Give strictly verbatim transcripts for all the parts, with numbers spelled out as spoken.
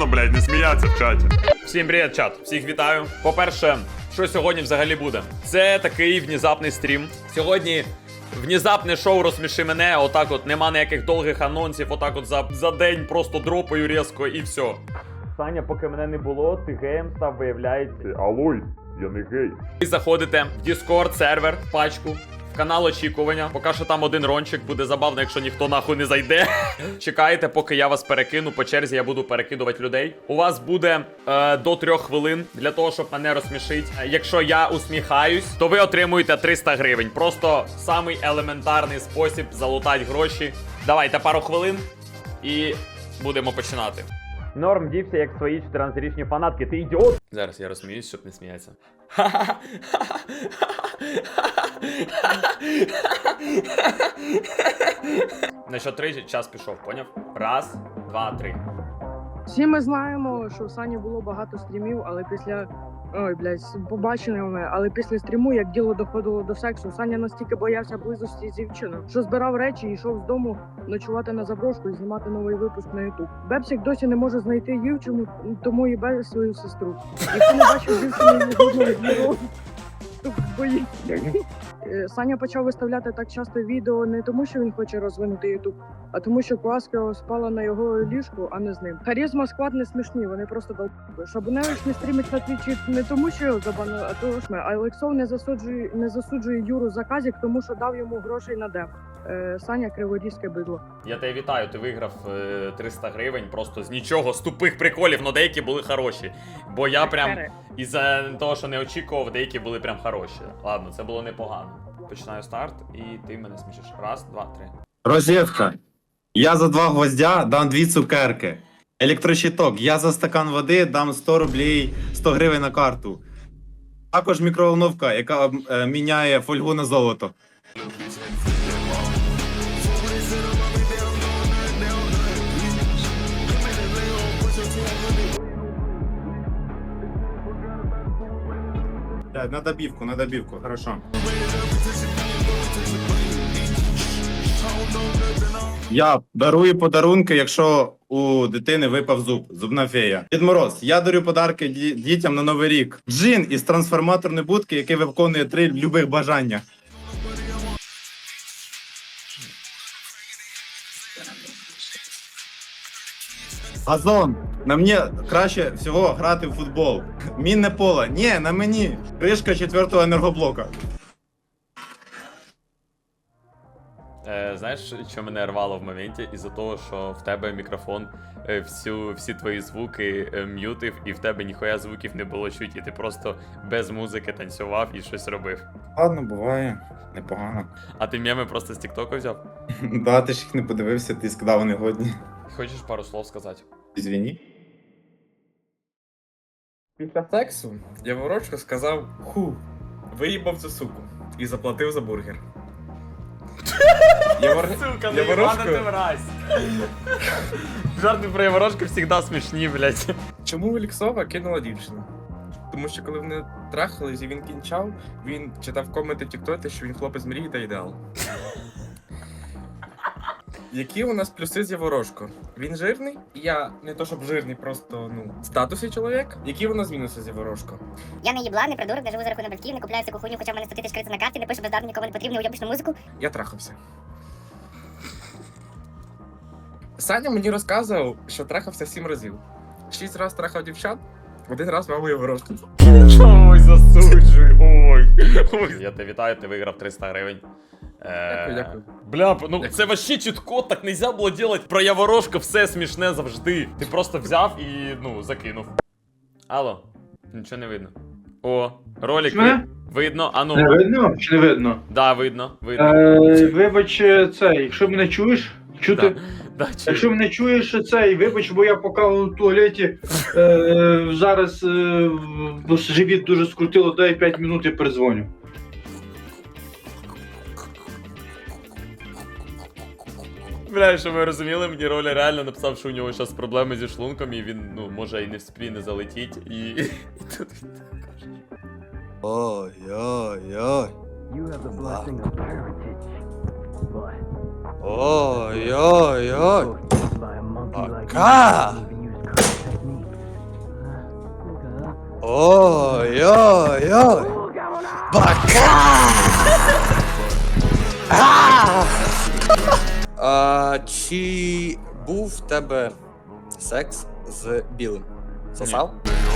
блядь, не сміяться в чаті. Всім привіт, чат. Всіх вітаю. По-перше, що сьогодні взагалі буде? Це такий внезапний стрім. Сьогодні внезапне шоу «Розсміши мене». Отак от, нема ніяких довгих анонсів. Отак от за, за день просто дропаю різко і все. Саня, поки мене не було, ти геєм став, виявляється. Алой, я не гей. Ви заходите в Discord сервер, в пачку, в канал очікування. Поки що там один рончик, буде забавно, якщо ніхто нахуй не зайде. Чекайте, поки я вас перекину. По черзі я буду перекидувати людей. У вас буде е, до трьох хвилин для того, щоб мене розсмішити. Якщо я усміхаюсь, то ви отримуєте триста гривень. Просто самий елементарний спосіб залутати гроші. Давайте пару хвилин і будемо починати. Норм дівся, як свої чотирнадцятирічні фанатки. Ти ідіот! Зараз я розсміюсь, щоб не сміятися. На що три час пішов, поняв? Раз, два, три. Всі ми знаємо, що в Сані було багато стрімів, але після... Ой, блядь, побаченими, але після стріму, як діло доходило до сексу, Саня настільки боявся близості з дівчиною, що збирав речі і йшов з дому ночувати на заброшку і знімати новий випуск на ютуб. Бепсик досі не може знайти дівчину, тому їбе свою сестру. Якщо не бачив дівчину жодного відео, то боїться. Саня почав виставляти так часто відео не тому, що він хоче розвинути ютуб, а тому, що Класка спала на його ліжку, а не з ним. Харізма, склад не смішні, вони просто долб***и. Шабуневич не стрімить на твічі не тому, що його забанили, а того ж ми. А Олексов не засуджує, не засуджує Юру за казік, тому що дав йому грошей на деп. Е, Саня криворізьке бидло. Я тебе вітаю, ти виграв е, триста гривень просто з нічого, з тупих приколів, але деякі були хороші. Бо я прям, із-за того, що не очікував, деякі були прям хороші. Ладно, це було непогано. Починаю старт, і ти мене смішиш. Раз, два, три. Розетка. Я за два гвоздя дам дві цукерки. Електрощиток. Я за стакан води дам сто рублей, сто гривень на карту. Також мікроволновка, яка е, міняє фольгу на золото. На добивку, на добивку, хорошо. Я дарую подарунки, якщо у дитини випав зуб. Зубна фея. Дід Мороз, я дарю подарки ді- дітям на Новий рік. Джин із трансформаторної будки, який виконує три любих бажання. Газон. На мені краще всього грати в футбол. Мінне поле. Ні, на мені. Кришка четвертого енергоблока. Е, знаєш, що мене рвало в моменті? Із-за того, що в тебе мікрофон е, всю, всі твої звуки е, м'ютив, і в тебе ніхуя звуків не було чуть, і ти просто без музики танцював і щось робив. Ладно, буває. Непогано. А ти меми просто з Тіктоку взяв? Да, ти ж їх не подивився, ти сказав, вони годні. Хочеш пару слов сказати? Извини. Після сексу Яворочко сказав ху, виїбав цю суку і заплатив за бургер. Явор... Сука, ну Яворошко... ебана ти мразь. Жарти про Яворошку завжди смішні, блядь. Чому Олексова кинула дівчину? Тому що коли вони трахались і він кінчав, він читав коменти в Тіктоці, що він хлопець мрії та ідеал. Які у нас плюси з Яворошко? Він жирний? Я не то щоб жирний, просто ну в статусі чоловік. Які у нас мінуси з Яворошко? Я не їблан, не придурок, не живу за рахунок батьків, не купляю всяку хуйню, хоча в мене сто тисяч кредитів на карті, не пишу бездарно, нікому не потрібну уйобічну музику. Я трахався. Саня мені розказував, що трахався сім разів. Шість разів трахав дівчат, один раз маму Яворошко. Ой, засуджуй, ой. Ой. Я тебе вітаю, ти виграв триста гривень. Дякую, дякую. Бля, ну це вообще чітко, так нельзя було делать. Про Яворошка все смішне завжди. Ти просто взяв і, ну, закинув. Алло, нічого не видно. О, ролик Що? видно, а ну. Не видно чи не видно? Да, видно, видно. Е, вибач, це, якщо мене чуєш, чути. Да. Да, чую. Якщо мене чуєш, це, вибач, бо я поки у туалеті е, зараз е, живіт дуже скрутило, дай п'ять минут і передзвоню. Бля, що ви розуміли, мені Роля реально написав, що у нього зараз проблеми зі шлунком, і він, ну, може і не вспіє не залетіть, і... і тут він так каже. Ой-ой-ой. Ой-ой-ой. Пока. Ой-ой-ой! Бока! А! А, чи був в тебе секс з білим? Сосав?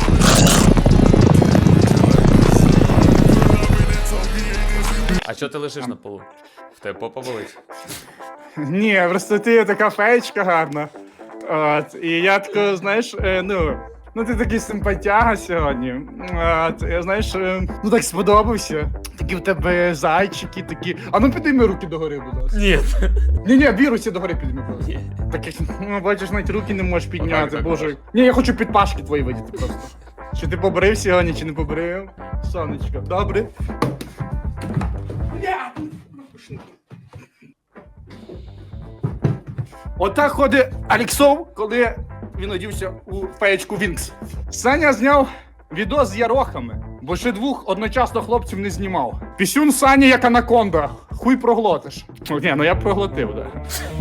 А чого ти лежиш на полу? В тебе попа болить? Ні, просто ти така феєчка гарна. От, і я тако, знаєш, е, ну, ну ти такий симпатяга сьогодні. От, я, знаєш, е, ну так сподобався. Такі в тебе зайчики, такі. А ну підійми руки догори, будь ласка. Ні. Ні, ні, дві руці догори підійми, будь ласка. Ні. Таких, ну, бачиш, навіть руки не можеш підняти, Отак, так боже. можеш. Ні, я хочу підпашки твої видіти просто. Чи ти побрив сьогодні, чи не побрив? Сонечко, добре. Отак ходить Аліксов, коли він одівся у феєчку Вінкс. Саня зняв відос з ярохами, бо ще двох одночасно хлопців не знімав. Пісюн Сані як анаконда. Хуй проглотиш. О, ні, ну я проглотив, да.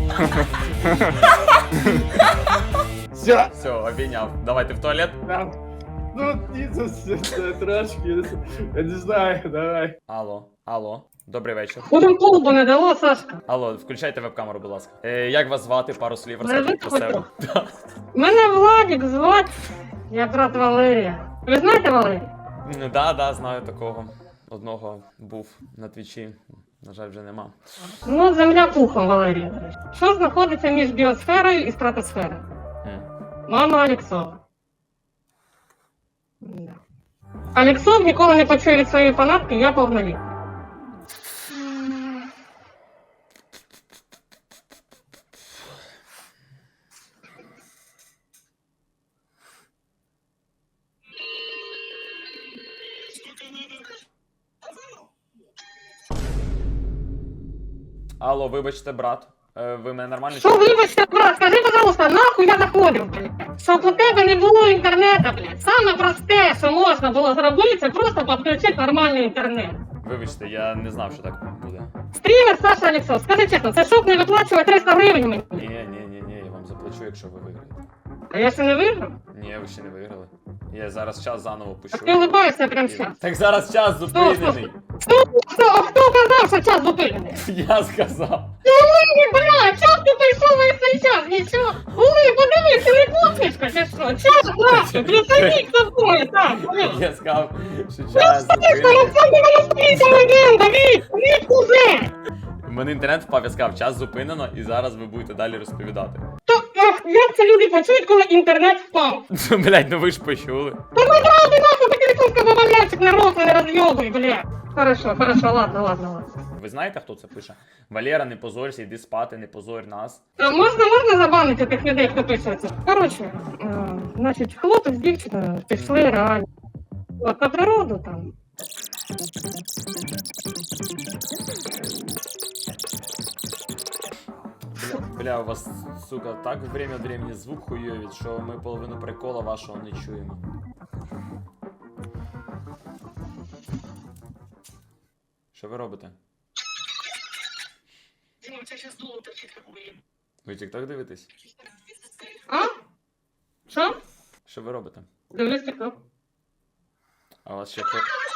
Все. Все, обійняв. Давайте в туалет. Да. Ну, ні, це, це, це трошки, я не знаю, давай. Алло, алло. Добрий вечір. Куди колбу не дало, Сашка? Алло, включайте веб-камеру, будь ласка. Е, як вас звати? Пару слів Мене розкажіть про себе. звати Мене Владик звати. Я брат Валерія. Ви знаєте Валерія? Ну да, да, знаю такого. Одного був на твічі. На жаль, вже нема. Ну, земля пухом, Валерія. Що знаходиться між біосферою і стратосферою? М. Мама Алексова. Да. Алексов ніколи не почує від своєї фанатки, я повноліт. Алло, вибачте, брат. Е, ви мене нормально Що чуєте? вибачте, брат, скажи, пожалуйста, нахуй я заходив, блядь? Щоб у тебе не було інтернету, блядь. Саме просте, що можна було зробити, це просто підключити нормальний інтернет. Вибачте, я не знав, що так буде. Стрімер Саша Алексов, скажи чесно, це щоб не виплачувати триста гривень мені? Ні, ні, ні, ні, я вам заплачу, якщо ви виграєте. А я ще не виграв? Ні, ви ще не виграли. Я зараз час заново пущу. Так ти улыбаєшся прямо зараз. Так зараз час зупинений. Хто, хто, а хто казав, що час зупинений? Я сказав. Ні, бля, час ти прийшов весь цей час, нічого. Ули, подивись, ти не посмішка, чи що? Час, нахуй, присадіть за мною, так, блядь. Я сказав, що час Що зупинений. це не розповідь легенда, Вік, Вік уже! У мене інтернет впав, я сказав, час зупинено, і зараз ви будете далі розповідати. То, ах, як це люди почують, коли інтернет впав? Блять, ну ви ж почули. Та не правда, нахуй, такий куска бабалячик на рот не розйобуй, бля. Хорошо, хорошо, ладно, ладно, ладно. Ви знаєте, хто це пише? Валера, не позорься, йди спати, не позорь нас. А можна, можна забанити тих людей, хто пише це? Коротше, е, значить, хлопець з дівчиною пішли реально. От на природу там. Бля, бля, у вас, сука, так время від времени звук хуйовить, що ми половину прикола вашого не чуємо. Що ви робите? Ви тік-ток дивитесь? А? Що? Що ви робите? Дивлюсь тік-ток. А у вас ще хто?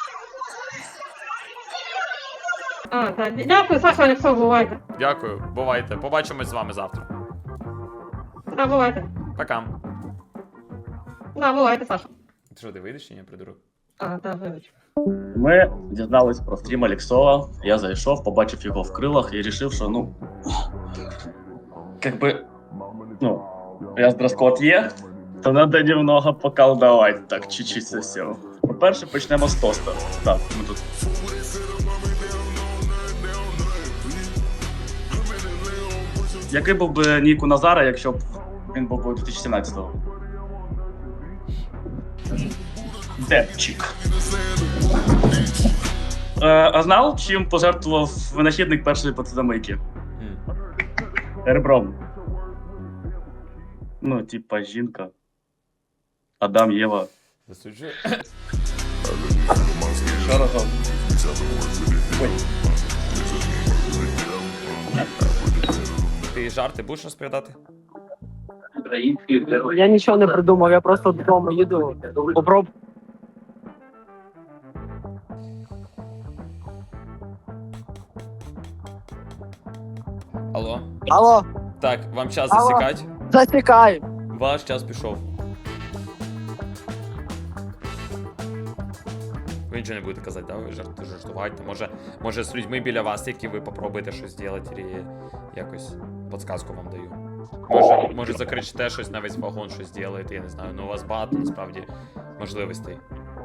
А, так, дякую, Саша Алексов, бувайте. Дякую, бувайте. Побачимось з вами завтра. Да, бувайте. Пока. Да, бувайте, Саша. Ти що, ти вийдеш чи ні, придурок? А, да, вибач. Ми дізнались про стрім Алексова. Я зайшов, побачив його в крилах і вирішив, що ну. Как би. Ну, раз дрес-код є, то треба немного поколдовать. Так, чуть-чуть це все. По-перше, почнемо з тоста. Так, ми тут. Який був би нік у Назара, якщо б він був би дві тисячі сімнадцятого? Депчик. Е, а знав, чим пожертвував винахідник першої посудомийки? М. Ребром. Ну, типа, жінка. Адам, Єва. Засуджую. Що разом? Ой. Ти жарти будеш розповідати? Український герой. Я нічого не придумав, я просто додому їду. Попроб... Алло? Алло? Так, вам час Алло? засікать? Засікай! Ваш час пішов. Ви нічого не будете казати, да? Ви жарт, жартувати. Може, може з людьми біля вас, які ви попробуєте щось зробити, і якось підсказку вам даю. Може, може закричите щось на весь вагон, щось зробите, я не знаю. Ну у вас багато насправді можливостей.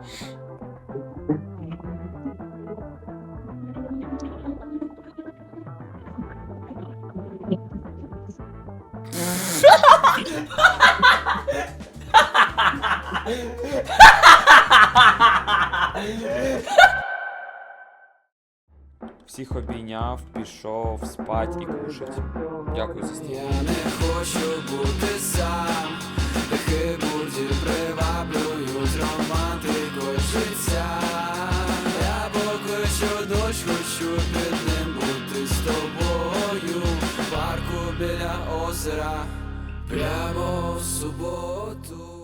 Всіх обійняв, пішов спать і кушать. Дякую за стіл. Я не хочу бути сам, хибурді приваблюють романтикою життя. Я покличу дощ, хочу під ним бути з тобою. В парку біля озера, прямо в суботу.